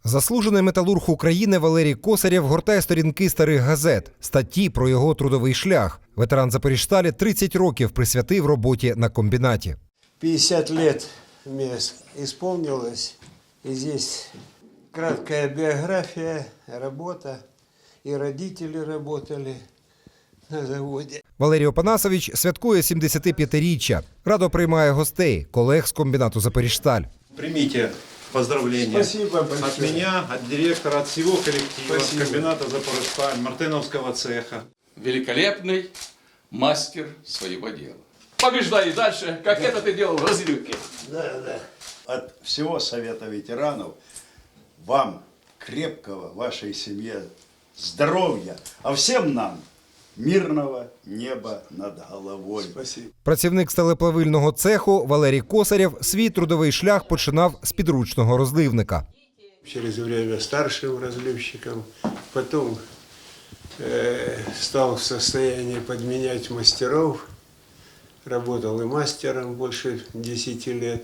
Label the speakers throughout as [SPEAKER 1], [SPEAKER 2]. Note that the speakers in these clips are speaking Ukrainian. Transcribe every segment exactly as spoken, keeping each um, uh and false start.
[SPEAKER 1] Заслужений металург України Валерій Косарєв гортає сторінки старих газет, статті про його трудовий шлях. Ветеран Запоріжсталі тридцять років присвятив роботі на комбінаті.
[SPEAKER 2] пятьдесят лет мне исполнилось, и здесь краткая биография, работа, и родители работали на заводе.
[SPEAKER 1] Валерій Опанасович святкує сімдесятип'ятиріччя. Радо приймає гостей, колег з комбінату «Запоріжсталь».
[SPEAKER 3] Примите поздравления от меня, от директора, от всего коллектива, от комбината «Запорожсталь», Мартыновского цеха.
[SPEAKER 4] Великолепный мастер своего дела. Побеждай и дальше, как это ты делал в Разлюке.
[SPEAKER 2] Да, да.
[SPEAKER 5] От всего Совета ветеранов вам крепкого, вашей семье здоровья, а всем нам мирного неба над головой.
[SPEAKER 2] Спасибо.
[SPEAKER 1] Працівник сталеплавильного цеху Валерій Косарєв свій трудовий шлях починав з підручного розливника.
[SPEAKER 2] Через время старшим разливщиком, потом э, стал в состоянии подменять мастеров, работал и мастером больше десяти лет.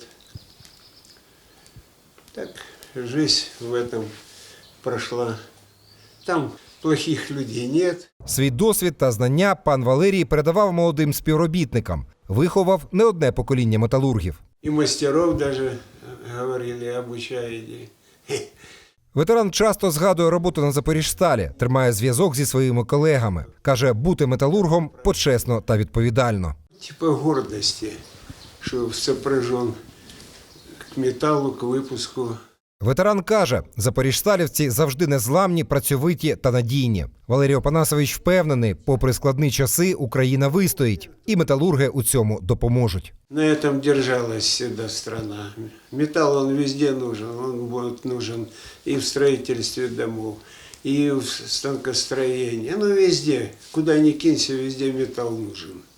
[SPEAKER 2] Так, жизнь в этом прошла. Там плохих людей нет.
[SPEAKER 1] Свій досвід та знання пан Валерій передавав молодим співробітникам. Виховав не одне покоління металургів.
[SPEAKER 2] И мастеров даже, говорили, обучаете.
[SPEAKER 1] Ветеран часто згадує роботу на Запоріжсталі, тримає зв'язок зі своїми колегами. Каже, бути металургом почесно та відповідально.
[SPEAKER 2] Типа гордости, что сопряжен к металлу, к выпуску.
[SPEAKER 1] Ветеран каже, запоріжсталівці завжди незламні, працьовиті та надійні. Валерій Опанасович впевнений, попри складні часи, Україна вистоїть. І металурги у цьому допоможуть.
[SPEAKER 2] На этом держалась всегда страна. Металл, он везде нужен. Он будет нужен и в строительстве домов, и в станкостроении. Ну, везде. Куда ни кинься, везде металл нужен.